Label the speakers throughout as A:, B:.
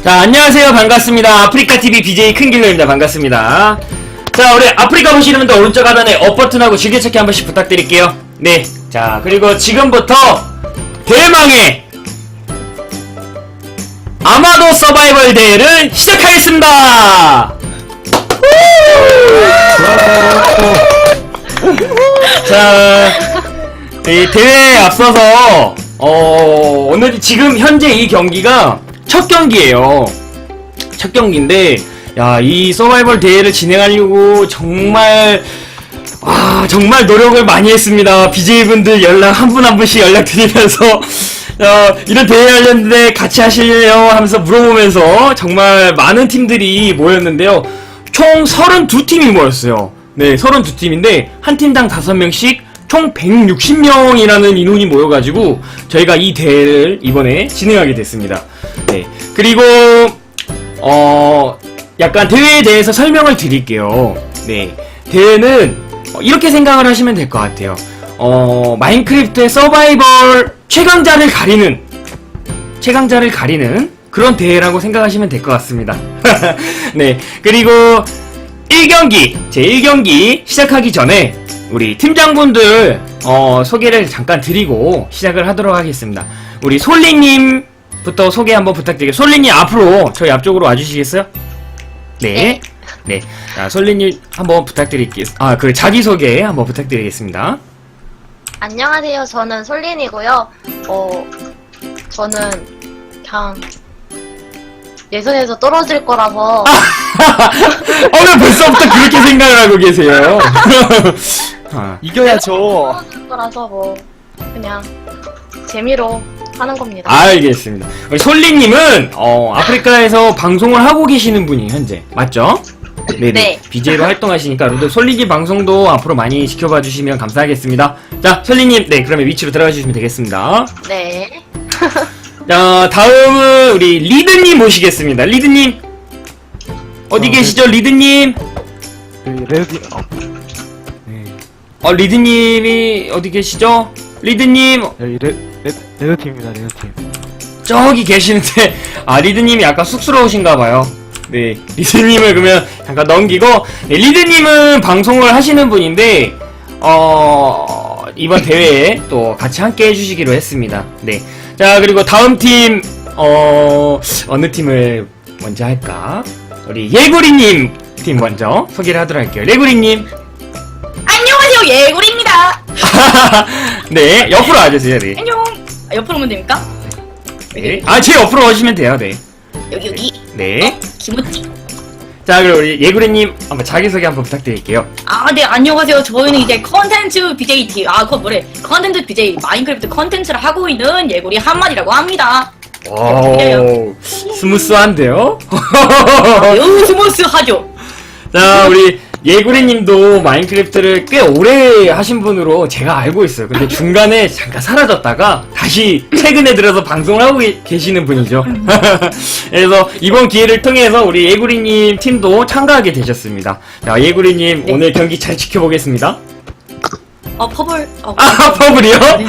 A: 자, 안녕하세요. 반갑습니다. 아프리카TV BJ 큰길러입니다. 반갑습니다. 자, 우리 아프리카 보시는 분들 오른쪽 하단에 업 버튼하고 즐겨찾기 한 번씩 부탁드릴게요. 네. 자, 그리고 지금부터 대망의 아마도 서바이벌 대회를 시작하겠습니다. 자, 이 대회에 앞서서 오늘 지금 현재 이 경기가 첫 경기예요. 첫 경기인데, 야, 이 서바이벌 대회를 진행하려고 정말 노력을 많이 했습니다. BJ분들 연락 한 분 한 분씩 연락드리면서 이런 대회 하려는데 같이 하실래요? 하면서 물어보면서 정말 많은 팀들이 모였는데요. 총 32팀이 모였어요. 네, 32팀인데 한 팀당 5명씩 총 160명이라는 인원이 모여가지고 저희가 이 대회를 이번에 진행하게 됐습니다. 네, 그리고 약간 대회에 대해서 설명을 드릴게요. 네, 대회는 이렇게 생각을 하시면 될 것 같아요. 마인크래프트의 서바이벌 최강자를 가리는 그런 대회라고 생각하시면 될 것 같습니다. 네, 그리고 1경기, 제 1경기 시작하기 전에 우리 팀장분들 소개를 잠깐 드리고 시작을 하도록 하겠습니다. 우리 솔리님부터 소개 한번 부탁드릴게요. 솔리님 앞으로 저희 앞쪽으로 와주시겠어요? 네. 네. 자, 솔리님 한번 부탁드릴게요. 그 자기소개 한번 부탁드리겠습니다.
B: 안녕하세요. 저는 솔린이고요. 저는 그냥 예선에서 떨어질 거라서
A: 왜 벌써부터 그렇게 생각을 하고 계세요?
C: 이겨야죠.
B: 떨어질 거라서 뭐 그냥 재미로 하는 겁니다.
A: 알겠습니다. 우리 솔리님은 아프리카에서 방송을 하고 계시는 분이 현재 맞죠? 네네.
B: 네.
A: BJ로 활동하시니까 여러분들 솔리님 방송도 앞으로 많이 지켜봐 주시면 감사하겠습니다. 자, 솔리님, 네, 그러면 위치로 들어가 주시면 되겠습니다.
B: 네.
A: 자, 다음은 우리 리드님 모시겠습니다. 리드님 어디 계시죠, 리드님?
C: 레드
A: 리드님이 어디 계시죠? 리드님
C: 여기 레드팀입니다. 레드팀.
A: 저기 계시는데 리드님이 약간 쑥스러우신가봐요. 네, 리드님을 그러면 잠깐 넘기고, 네, 리드님은 방송을 하시는 분인데 이번 대회에 또 같이 함께 해주시기로 했습니다. 네, 자, 그리고 다음 팀 어느 팀을 먼저 할까? 우리 예구리님 팀 먼저 소개를 하도록 할게요. 예구리님.
D: 안녕하세요, 예구리입니다.
A: 네, 옆으로 와주세요. 네.
D: 안녕. 옆으로 오면 됩니까?
A: 네. 제 옆으로 오시면 돼요. 네.
D: 여기.
A: 네.
D: 김우찌.
A: 자, 그리고 우리 예구리님 한번 자기소개 한번 부탁드릴게요.
D: 네, 안녕하세요. 저희는 이제 컨텐츠 BJ 팀. 그거 뭐래? 컨텐츠 BJ 마인크래프트 컨텐츠를 하고 있는 예구리 한마디라고 합니다.
A: 오, 스무스한데요?
D: 매우 스무스하죠.
A: 자, 우리 예구리님도 마인크래프트를 꽤 오래 하신 분으로 제가 알고 있어요. 근데 중간에 잠깐 사라졌다가 다시 최근에 들어서 방송을 하고 계시는 분이죠. 그래서 이번 기회를 통해서 우리 예구리님 팀도 참가하게 되셨습니다. 자, 예구리님,
D: 네.
A: 오늘 경기 잘 지켜보겠습니다.
D: 퍼블.
A: 퍼블이요?
D: 네.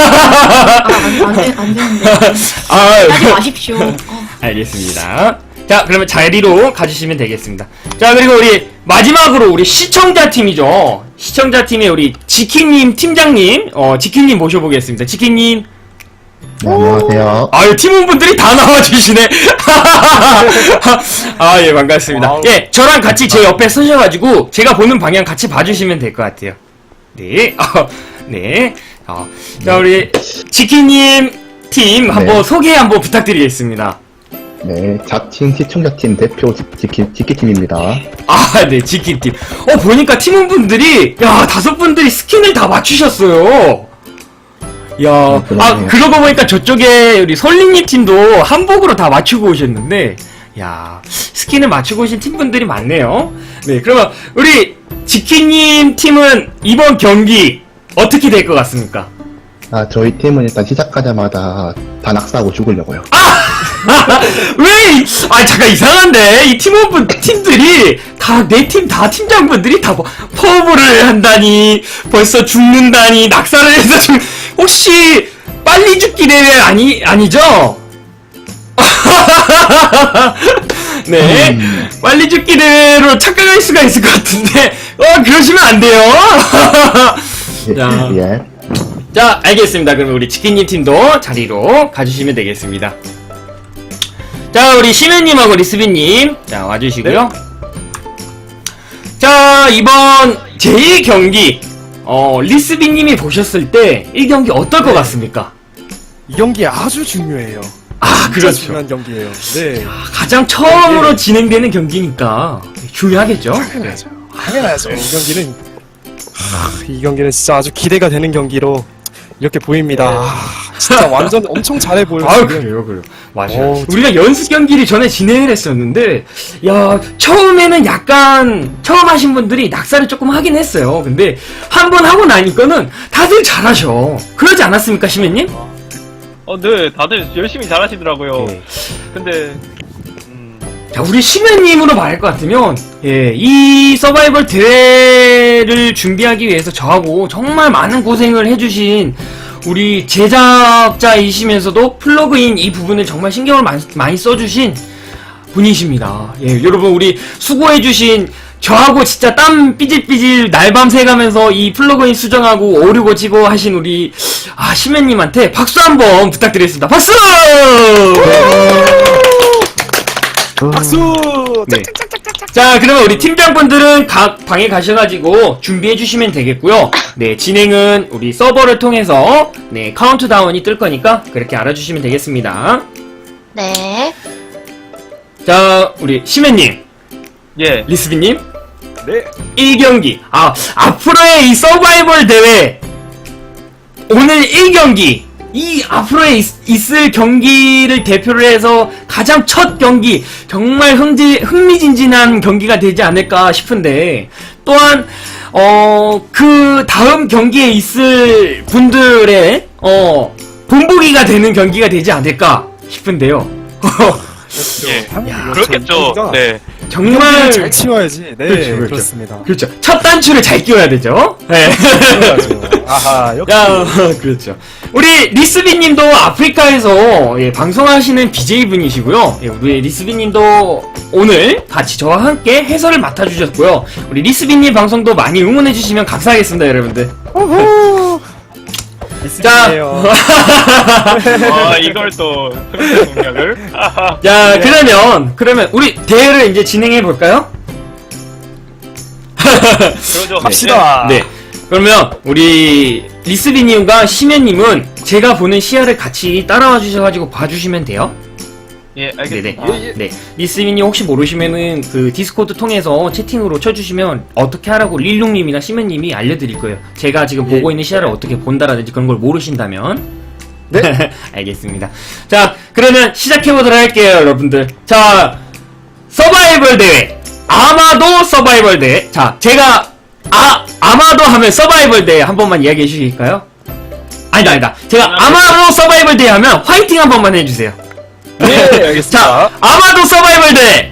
D: 안 되는데. 하지 마십시오.
A: 알겠습니다. 자, 그러면 자리로 가주시면 되겠습니다. 자, 그리고 우리 마지막으로 우리 시청자 팀이죠. 시청자 팀의 우리 지키님 팀장님, 지키님 모셔보겠습니다. 지키님.
E: 네, 안녕하세요.
A: 팀원분들이 다 나와주시네. 예, 반갑습니다.
C: 와우.
A: 예, 저랑 같이 제 옆에 서셔가지고 제가 보는 방향 같이 봐주시면 될 것 같아요. 네, 네. 자, 우리 지키님 팀 한번
E: 네.
A: 소개 한번 부탁드리겠습니다.
E: 네, 자칭 시청자팀 대표 지키팀입니다.
A: 네, 지키팀. 보니까 팀원분들이, 5분들이 스킨을 다 맞추셨어요. 야,
E: 그러네요.
A: 그러고 보니까 저쪽에 우리 솔리님 팀도 한복으로 다 맞추고 오셨는데, 스킨을 맞추고 오신 팀분들이 많네요. 네, 그러면 우리 지키님 팀은 이번 경기 어떻게 될 것 같습니까?
E: 저희 팀은 일단 시작하자마자 다 낙사하고 죽으려고요.
A: 왜? 잠깐 이상한데 이 팀들이 다 내 팀 다 팀장분들이 다 퍼블을 한다니 벌써 죽는다니 낙사를 해서 혹시 빨리 죽기 대회 아니죠? 네. 빨리 죽기대로 착각할 수가 있을 것 같은데, 그러시면 안 돼요. 자.
E: 예.
A: 자, 알겠습니다. 그러면 우리 치킨님 팀도 자리로 가주시면 되겠습니다. 자, 우리 시면님하고 리스비님, 자, 와주시고요. 자, 이번 제1경기, 리스비님이 보셨을 때 1경기 어떨 것 같습니까?
F: 이 경기 아주 중요해요.
A: 아,
F: 진짜
A: 그렇죠.
F: 중요한 경기예요. 네.
A: 가장 처음으로 진행되는 경기니까 중요하겠죠?
F: 당연하죠. 당연하죠. 이 경기는 진짜 아주 기대가 되는 경기로 이렇게 보입니다. 진짜 완전 엄청 잘해 보여요.
A: 아,
F: 지금.
A: 그래요. 맞아요.
F: 오,
A: 우리가 연습 경기를 전에 진행을 했었는데, 야, 처음에는 약간, 처음 하신 분들이 낙사를 조금 하긴 했어요. 근데, 한 번 하고 나니까는 다들 잘하셔. 그러지 않았습니까, 시민님?
G: 네, 다들 열심히 잘하시더라고요.
A: 네.
G: 근데,
A: 자, 우리 시면님으로 말할 것 같으면, 예, 이 서바이벌 대회를 준비하기 위해서 저하고 정말 많은 고생을 해주신 우리 제작자이시면서도 플러그인 이 부분을 정말 신경을 많이 써주신 분이십니다. 예, 여러분, 우리 수고해주신 저하고 진짜 땀 삐질삐질 날밤 새가면서 이 플러그인 수정하고 오류 고치고 하신 우리, 시면님한테 박수 한번 부탁드리겠습니다. 박수!
F: 박수!
A: 네. 자, 그러면 우리 팀장분들은 각 방에 가셔가지고 준비해주시면 되겠고요. 네, 진행은 우리 서버를 통해서, 네, 카운트다운이 뜰 거니까 그렇게 알아주시면 되겠습니다.
B: 네.
A: 자, 우리 시면님,
G: 예.
A: 리스비님,
F: 네.
A: 1경기. 앞으로의 이 서바이벌 대회, 오늘 1경기, 이 앞으로에 있을 경기를 대표를 해서 가장 첫 경기, 정말 흥미진진한 경기가 되지 않을까 싶은데, 또한 그 다음 경기에 있을 분들의 본보기가 되는 경기가 되지 않을까 싶은데요.
G: 예.
F: 야,
G: 그렇겠죠. 네.
A: 정말
F: 잘 치워야지. 네,
A: 그렇죠, 그렇죠.
F: 그렇습니다.
A: 그렇죠. 첫 단추를 잘 끼워야 되죠. 네.
F: 그래야죠. 아하, 역시.
A: 야, 그렇죠. 우리 리스비님도 아프리카에서 방송하시는 BJ분이시고요. 우리 리스비님도 오늘 같이 저와 함께 해설을 맡아주셨고요. 우리 리스비님 방송도 많이 응원해주시면 감사하겠습니다, 여러분들. 자,
G: 이걸 또, 흥미 공략을.
A: 자, 그러면 우리 대회를 이제 진행해 볼까요?
G: 그러죠.
F: 갑시다.
A: 네. 그러면 우리 리스비님과 시면님은 제가 보는 시야를 같이 따라와 주셔가지고 봐주시면 돼요.
G: 예,
A: 네네.
G: 알겠습니다.
A: 네. 리스비님 혹시 모르시면은 그 디스코드 통해서 채팅으로 쳐주시면 어떻게 하라고 릴룽님이나 시면님이 알려드릴 거예요. 제가 지금 보고 있는 시야를 어떻게 본다라든지 그런 걸 모르신다면. 네. 알겠습니다. 자, 그러면 시작해보도록 할게요, 여러분들. 자, 서바이벌 대회. 아마도 서바이벌 대회. 자, 제가 아마도 하면 서바이벌 대회 한 번만 이야기해 주실까요? 아니다. 제가 아마도 서바이벌 대회 하면 화이팅 한 번만 해주세요.
F: 네, 알겠습니다.
A: 자, 아마도 서바이벌 대회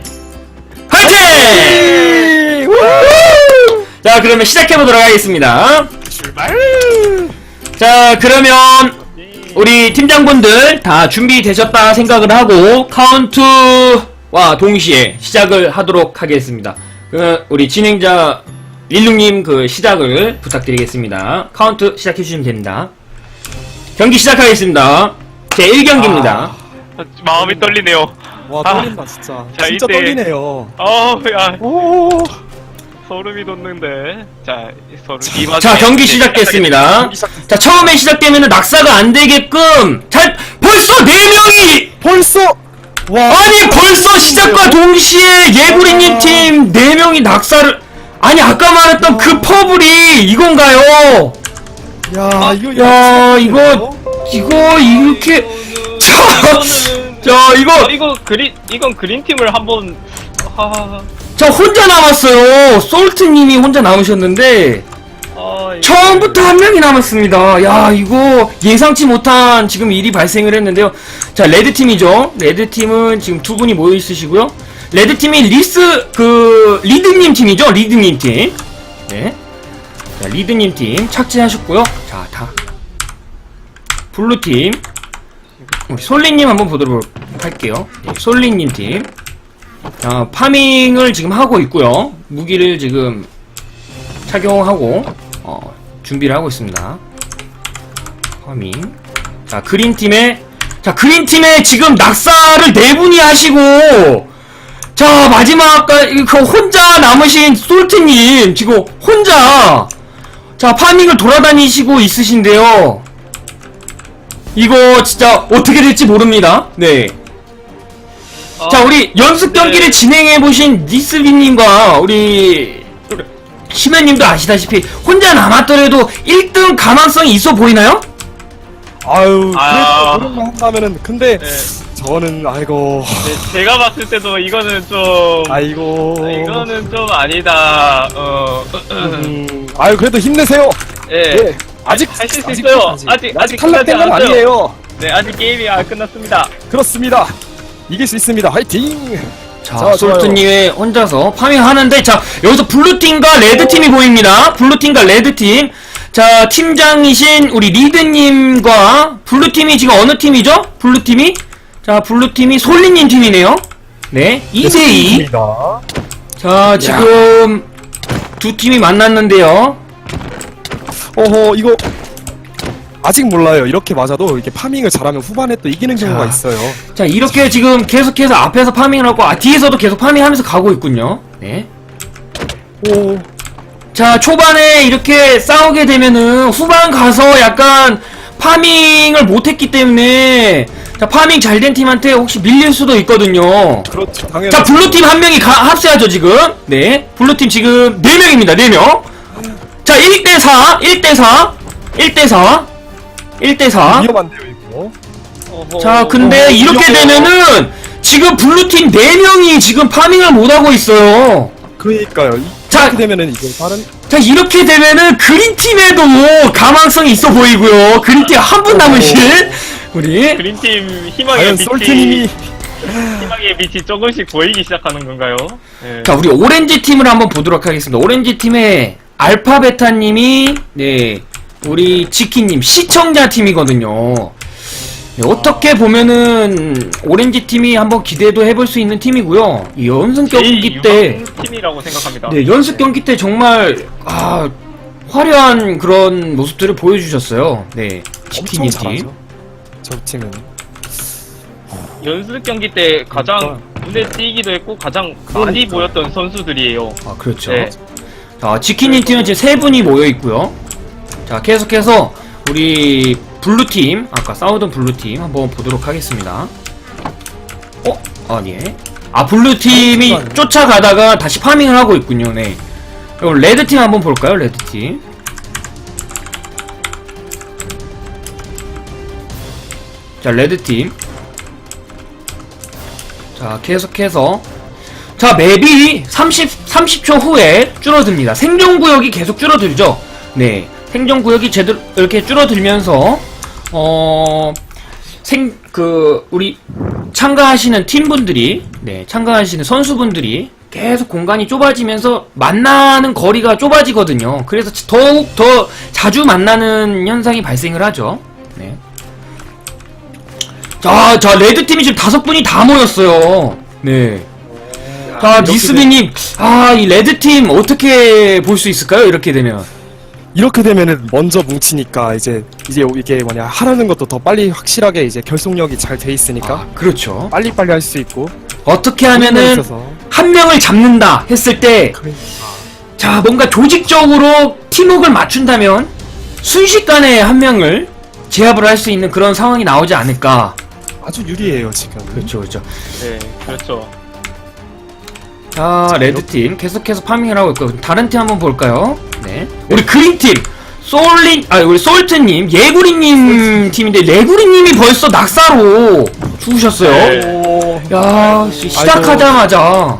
A: 화이팅! 자, 그러면 시작해보도록 하겠습니다.
F: 출발!
A: 자, 그러면 우리 팀장분들 다 준비되셨다 생각을 하고 카운트와 동시에 시작을 하도록 하겠습니다. 우리 진행자 릴룽님 그 시작을 부탁드리겠습니다. 카운트 시작해주시면 됩니다. 경기 시작하겠습니다. 제 1경기입니다.
G: 마음이 떨리네요.
F: 와, 떨린다, 진짜.
G: 자,
F: 진짜
G: 이때-
F: 떨리네요.
G: 야,
F: 오,
G: 소름이 돋는데. 자,
A: 자, 경기 시작됐습니다.
F: 경기 시작됐습니다.
A: 자, 처음에 시작되면 낙사가 안 되게끔 벌써 4명이!
F: 벌써! 와.
A: 아니, 벌써 시작과 동시에 예구리님 팀 4명이 낙사를, 아니, 아까 말했던 그 퍼블이 이건가요?
F: 야,
A: 이거 이렇게,
G: 이건 그린팀을 한번,
A: 저 혼자 남았어요. 솔트님이 혼자 남으셨는데, 처음부터 한 명이 남았습니다. 야, 이거 예상치 못한 지금 일이 발생을 했는데요. 자, 레드팀이죠. 레드팀은 지금 두 분이 모여 있으시고요. 레드팀이 리드님 팀이죠. 리드님 팀. 네. 자, 리드님 팀 착지하셨고요. 자, 블루팀. 우리 솔리님 한번 보도록 할게요. 네, 솔리님 팀. 파밍을 지금 하고 있고요. 무기를 지금 착용하고 준비를 하고 있습니다. 파밍. 자, 그린팀에 지금 낙사를 4분이 하시고, 자, 마지막, 혼자 남으신 솔트님, 지금 혼자, 자, 파밍을 돌아다니시고 있으신데요. 이거 진짜 어떻게 될지 모릅니다. 네. 자, 우리 연습 경기를 진행해보신 니스비님과 우리 심연님도 아시다시피 혼자 남았더라도 1등 가망성이 있어 보이나요?
F: 아유,
G: 아.
F: 그래도 노력만 한다면은, 근데,
G: 네.
F: 저는, 아이고,
G: 네, 제가 봤을 때도 이거는 좀
F: 아이고.
G: 이거는 좀 아니다.
F: 아유, 그래도 힘내세요.
G: 예.
F: 예. 아직,
G: 하실 수 있어요. 아직 끝나지
F: 탈락된 건
G: 않았죠?
F: 아니에요.
G: 네, 아직 게임이 안 끝났습니다.
F: 그렇습니다. 이길 수 있습니다. 화이팅!
A: 자,
F: 좋아요.
A: 솔트님이 혼자서 파밍하는데, 자, 여기서 블루팀과 레드팀이 보입니다. 블루팀과 레드팀. 자, 팀장이신 우리 리드님과 블루팀이 지금 어느 팀이죠? 블루팀이? 자, 블루팀이 솔리님 팀이네요. 네, 2대2. 자, 지금 두 팀이 만났는데요.
F: 어허, 이거, 아직 몰라요. 이렇게 맞아도 이렇게 파밍을 잘하면 후반에 또 이기는 경우가
A: 자.
F: 있어요.
A: 자, 이렇게 지금 계속해서 앞에서 파밍을 하고, 뒤에서도 계속 파밍하면서 가고 있군요. 네.
F: 오,
A: 자, 초반에 이렇게 싸우게 되면은 후반 가서 약간 파밍을 못했기 때문에, 자, 파밍 잘 된 팀한테 혹시 밀릴 수도 있거든요.
F: 그렇죠. 당연히.
A: 자, 블루팀 한 명이 합세하죠, 지금. 네. 블루팀 지금 4명입니다, 4명. 자, 1대4, 1대4, 1대4, 1대4.
F: 위험한데요, 이거.
G: 어허.
A: 자, 근데 이렇게 되면은 지금 블루팀 4명이 지금 파밍을 못하고 있어요.
F: 그러니까요.
A: 자,
F: 이렇게 되면은 이게 다른,
A: 자, 이렇게 되면은 그린팀에도 가망성이 있어 보이고요. 그린팀 한 분 남으신 우리.
G: 그린팀 희망의
F: 과연
G: 빛이
F: 솔트님이,
G: 희망의 빛이 조금씩 보이기 시작하는 건가요? 네.
A: 자, 우리 오렌지 팀을 한번 보도록 하겠습니다. 오렌지 팀의 알파베타님이, 네, 우리 지키님 시청자 팀이거든요. 네, 어떻게 보면은 오렌지 팀이 한번 기대도 해볼 수 있는 팀이고요. 이 연습 경기 때,
G: 팀이라고 생각합니다.
A: 네, 연습 경기 때 정말 화려한 그런 모습들을 보여주셨어요. 네,
F: 엄청
A: 지키님 팀.
F: 잘하죠. 저 팀은.
G: 연습 경기 때 가장 눈에 띄기도 했고 가장 많이 보였던 선수들이에요.
A: 아, 그렇죠.
G: 네.
A: 자, 지키님 팀은 지금 3분이 모여 있고요. 자, 계속해서 우리 블루팀, 아까 싸우던 블루팀 한번 보도록 하겠습니다. 아니. 블루팀이 쫓아가다가 다시 파밍을 하고 있군요. 네. 그럼 레드팀 한번 볼까요? 레드팀. 자, 레드팀. 자, 계속해서. 자, 맵이 30초 후에 줄어듭니다. 생존구역이 계속 줄어들죠. 네. 생존구역이 제대로 이렇게 줄어들면서, 우리 참가하시는 팀분들이, 네, 참가하시는 선수분들이 계속 공간이 좁아지면서 만나는 거리가 좁아지거든요. 그래서 더욱 더 자주 만나는 현상이 발생을 하죠. 네. 자, 레드팀이 지금 5분이 다 모였어요. 네. 자, 니스비님, 이 레드팀 어떻게 볼 수 있을까요? 이렇게 되면.
F: 이렇게 되면은 먼저 뭉치니까 이제 이게 뭐냐, 하라는 것도 더 빨리 확실하게 이제 결속력이 잘 돼 있으니까
A: 그렇죠.
F: 빨리빨리 할 수 있고.
A: 어떻게 하면은 한 명을 잡는다 했을 때, 자, 뭔가 조직적으로 팀워크를 맞춘다면 순식간에 한 명을 제압을 할 수 있는 그런 상황이 나오지 않을까.
F: 아주 유리해요, 지금.
A: 그렇죠, 그렇죠.
G: 네, 그렇죠.
A: 자, 레드팀 계속해서 파밍을 하고 있고, 다른 팀 한번 볼까요? 네. 우리 그린팀, 우리 솔트님, 예구리님 팀인데, 예구리님이 벌써 낙사로 죽으셨어요.
G: 네.
A: 야, 시작하자마자.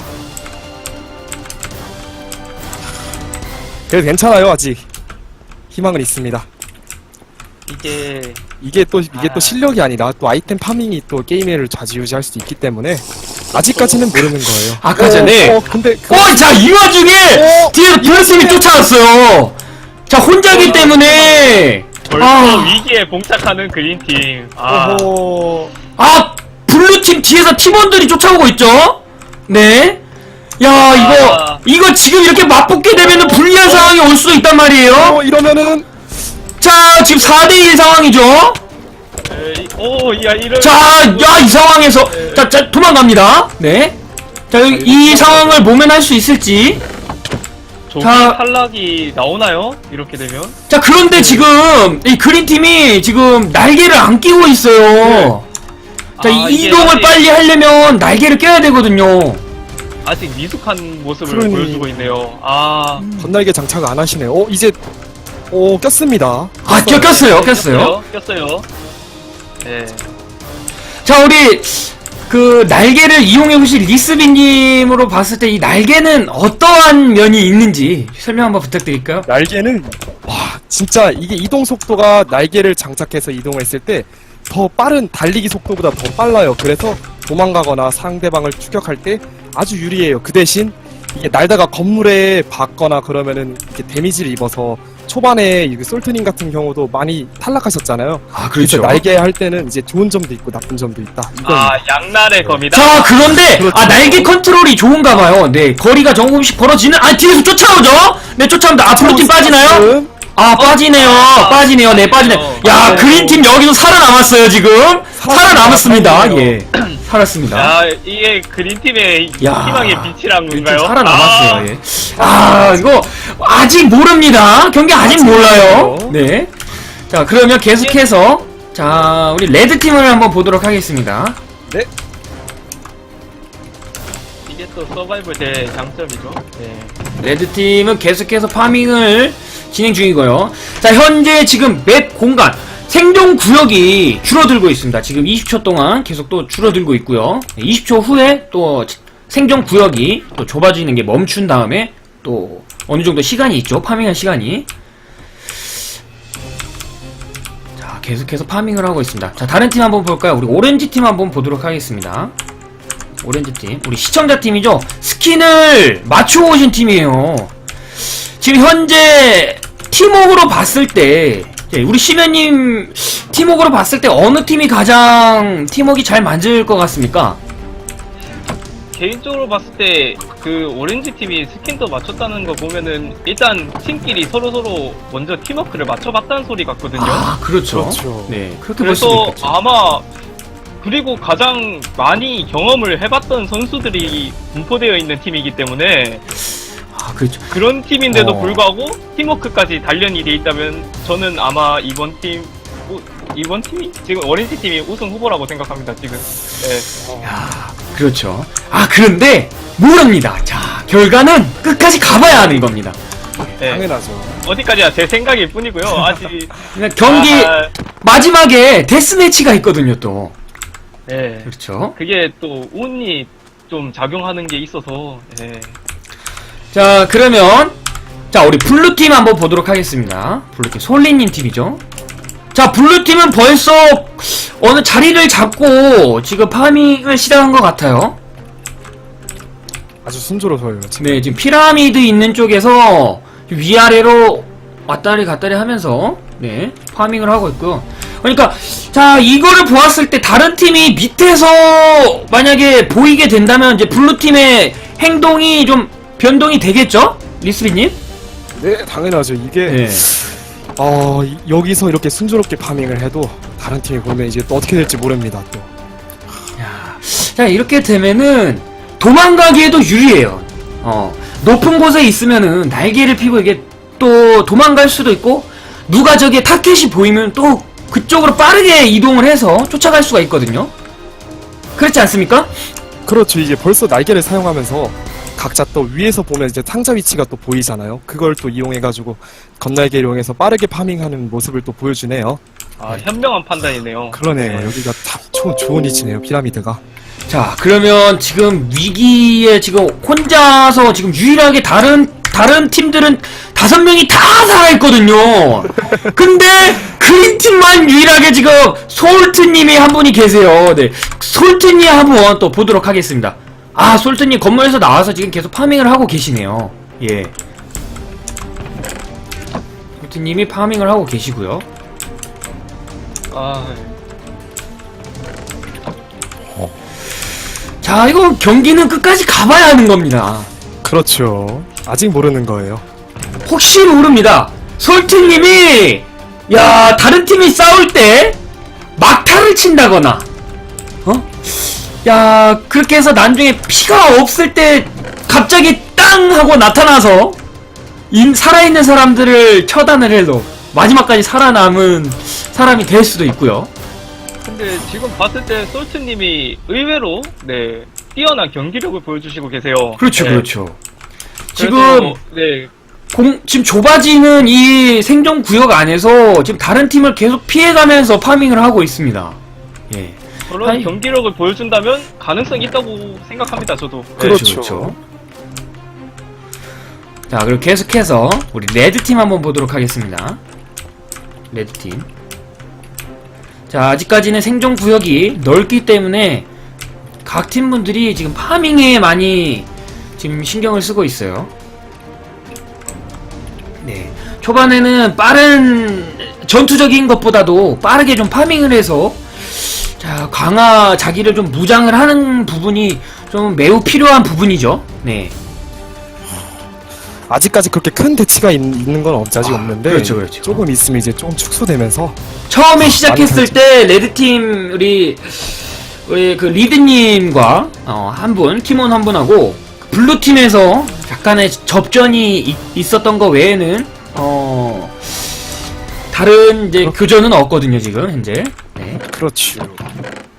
F: 그래도 괜찮아요, 아직. 희망은 있습니다. 이게 또 실력이 아니라 또 아이템 파밍이 또 게임을 좌지우지할 수도 있기 때문에 아직까지는 모르는 거예요.
A: 아까 전에
F: 근데
A: 자, 이 와중에 뒤에서 블루팀이 쫓아왔어요. 자, 혼자기 때문에
G: 벌써 위기에 봉착하는 그린팀.
F: 어허.
A: 블루팀 뒤에서 팀원들이 쫓아오고 있죠? 네. 야, 이거 지금 이렇게 맞붙게 되면은 불리한 상황이 올 수도 있단 말이에요?
F: 이러면은
A: 자, 지금 4대1 상황이죠?
G: 이런.
A: 자, 이 상황에서. 자, 도망갑니다. 네. 자, 이 상황을 모면할 수 있을지.
G: 조기
A: 자.
G: 탈락이 나오나요? 이렇게 되면?
A: 자, 그런데 지금, 이 그린팀이 지금 날개를 안 끼고 있어요. 자,
G: 이게
A: 이동을
G: 아직-
A: 빨리 하려면 날개를 껴야 되거든요.
G: 아직 미숙한 모습을
F: 그러니.
G: 보여주고 있네요.
F: 건날개 장착 안 하시네요. 이제 꼈습니다.
A: 아, 꼈어요.
G: 꼈어요. 네.
A: 자, 우리 그 날개를 이용해 보신 리스비님으로 봤을 때 이 날개는 어떠한 면이 있는지 설명 한번 부탁드릴까요?
F: 날개는 와 진짜 이게 이동 속도가 날개를 장착해서 이동했을 때 더 빠른 달리기 속도보다 더 빨라요. 그래서 도망가거나 상대방을 추격할 때 아주 유리해요. 그 대신 이게 날다가 건물에 박거나 그러면은 이렇게 데미지를 입어서 초반에 이 솔트님 같은 경우도 많이 탈락하셨잖아요.
A: 아,
F: 그래서 날개 할 때는 이제 좋은 점도 있고 나쁜 점도 있다. 이건
G: 양날의 검이다.
A: 자, 그런데
F: 그렇죠.
A: 날개 컨트롤이 좋은가 봐요. 네, 거리가 조금씩 벌어지는. 뒤에서 쫓아오죠. 네, 쫓아옵니다. 앞으로 팀 빠지나요? 빠지네요. 네, 빠지네요. 야, 그린팀 여기서 살아남았어요, 지금. 살아남았습니다. 예. 살았습니다.
G: 야, 이게 그린팀의
A: 야,
G: 희망의 빛이란
A: 그린팀
G: 건가요?
A: 살아남았어요. 예. 이거 아직 모릅니다. 경기 아직 몰라요. 네. 자, 그러면 계속해서 자, 우리 레드팀을 한번 보도록 하겠습니다.
G: 이게 또 서바이벌 제 장점이죠. 네.
A: 레드팀은 계속해서 파밍을 진행 중이고요. 자, 현재 지금 맵 공간 생존 구역이 줄어들고 있습니다. 지금 20초 동안 계속 또 줄어들고 있고요. 20초 후에 또 생존 구역이 또 좁아지는 게 멈춘 다음에 또 어느 정도 시간이 있죠. 파밍할 시간이. 자, 계속해서 파밍을 하고 있습니다. 자, 다른 팀 한번 볼까요? 우리 오렌지 팀 한번 보도록 하겠습니다. 오렌지 팀, 우리 시청자 팀이죠. 스킨을 맞추고 오신 팀이에요. 지금 현재 팀워크로 봤을 때 우리 시면님 팀워크로 봤을 때 어느 팀이 가장 팀워크가 잘 맞을 것 같습니까?
G: 개인적으로 봤을 때 그 오렌지 팀이 스킨도 맞췄다는 거 보면은 일단 팀끼리 서로서로 먼저 팀워크를 맞춰봤다는 소리 같거든요.
A: 그렇죠.
F: 그렇죠.
A: 네, 그렇게 볼 수도
G: 그래서
A: 있겠죠.
G: 아마 그리고 가장 많이 경험을 해봤던 선수들이 분포되어 있는 팀이기 때문에
A: 그렇죠.
G: 그런 팀인데도
A: 어.
G: 불구하고 팀워크까지 단련이 돼 있다면 저는 아마 이번 팀이 지금 오렌지 팀이 우승 후보라고 생각합니다. 지금. 네.
A: 그렇죠. 그런데 모릅니다. 자, 결과는 끝까지 가봐야 하는 겁니다.
G: 네.
F: 당연하죠.
G: 어디까지야 제 생각일 뿐이고요. 아직
A: 그러니까 경기 마지막에 데스매치가 있거든요, 또.
G: 네.
A: 그렇죠.
G: 그게 또 운이 좀 작용하는 게 있어서. 네.
A: 자, 그러면 자, 우리 블루팀 한번 보도록 하겠습니다. 블루팀 솔리님 팀이죠. 자, 블루팀은 벌써 어느 자리를 잡고 지금 파밍을 시작한 것 같아요.
F: 아주 순조로워요. 지금.
A: 네, 지금 피라미드 있는 쪽에서 위아래로 왔다리 갔다리 하면서 네, 파밍을 하고 있고요. 그러니까 자, 이거를 보았을 때 다른 팀이 밑에서 만약에 보이게 된다면 이제 블루팀의 행동이 좀 변동이 되겠죠? 리스비님?
F: 네, 당연하죠. 이게
A: 네.
F: 여기서 이렇게 순조롭게 파밍을 해도 다른 팀이 보면 이제 또 어떻게 될지 모릅니다. 또.
A: 자, 이렇게 되면은 도망가기에도 유리해요. 높은 곳에 있으면은 날개를 피고 이게 또 도망갈 수도 있고, 누가 저기에 타켓이 보이면 또 그쪽으로 빠르게 이동을 해서 쫓아갈 수가 있거든요. 그렇지 않습니까?
F: 그렇죠. 이제 벌써 날개를 사용하면서 각자 또 위에서 보면 이제 상자 위치가 또 보이잖아요. 그걸 또 이용해가지고 건날개를 이용해서 빠르게 파밍하는 모습을 또 보여주네요.
G: 현명한 판단이네요.
F: 그러네요.
G: 네.
F: 여기가 참 좋은 위치네요. 피라미드가.
A: 자, 그러면 지금 위기에 지금 혼자서 지금 유일하게 다른 팀들은 5명이 다 살아있거든요. 근데 그린팀만 유일하게 지금 솔트님이 한 분이 계세요. 네, 솔트님 한번 또 보도록 하겠습니다. 솔트님 건물에서 나와서 지금 계속 파밍을 하고 계시네요. 예. 솔트님이 파밍을 하고 계시고요. 자, 이거 경기는 끝까지 가봐야 하는 겁니다.
F: 그렇죠. 아직 모르는 거예요.
A: 혹시 모릅니다. 솔트님이 야 다른 팀이 싸울 때 막타를 친다거나 야 그렇게 해서 나중에 피가 없을 때 갑자기 땅 하고 나타나서 살아있는 사람들을 처단을 해도 마지막까지 살아남은 사람이 될 수도 있고요.
G: 근데 지금 봤을 때 솔트님이 의외로 네 뛰어난 경기력을 보여주시고 계세요.
A: 그렇죠,
G: 네.
A: 그렇죠.
G: 그래서,
A: 지금
G: 네
A: 지금 좁아지는 이 생존 구역 안에서 지금 다른 팀을 계속 피해가면서 파밍을 하고 있습니다. 예.
G: 저런
A: 아니.
G: 경기력을 보여준다면 가능성이 있다고 생각합니다. 저도. 네.
F: 그렇죠.
A: 자, 그리고 계속해서 우리 레드팀 한번 보도록 하겠습니다. 레드팀. 자, 아직까지는 생존 구역이 넓기 때문에 각 팀분들이 지금 파밍에 많이 지금 신경을 쓰고 있어요. 네. 초반에는 빠른 전투적인 것보다도 빠르게 좀 파밍을 해서 자, 자기를 좀 무장을 하는 부분이 좀 매우 필요한 부분이죠. 네.
F: 아직까지 그렇게 큰 대치가 있는 건 아직 없는데
A: 그렇죠, 그렇죠.
F: 조금 있으면 이제 조금 축소되면서
A: 처음에 시작했을
F: 많이
A: 때 레드팀 우리 그 리드님과 한 분, 팀원 한 분하고 블루팀에서 약간의 접전이 있었던 거 외에는 다른 이제 교전은 없거든요 지금 현재. 네.
F: 그렇죠.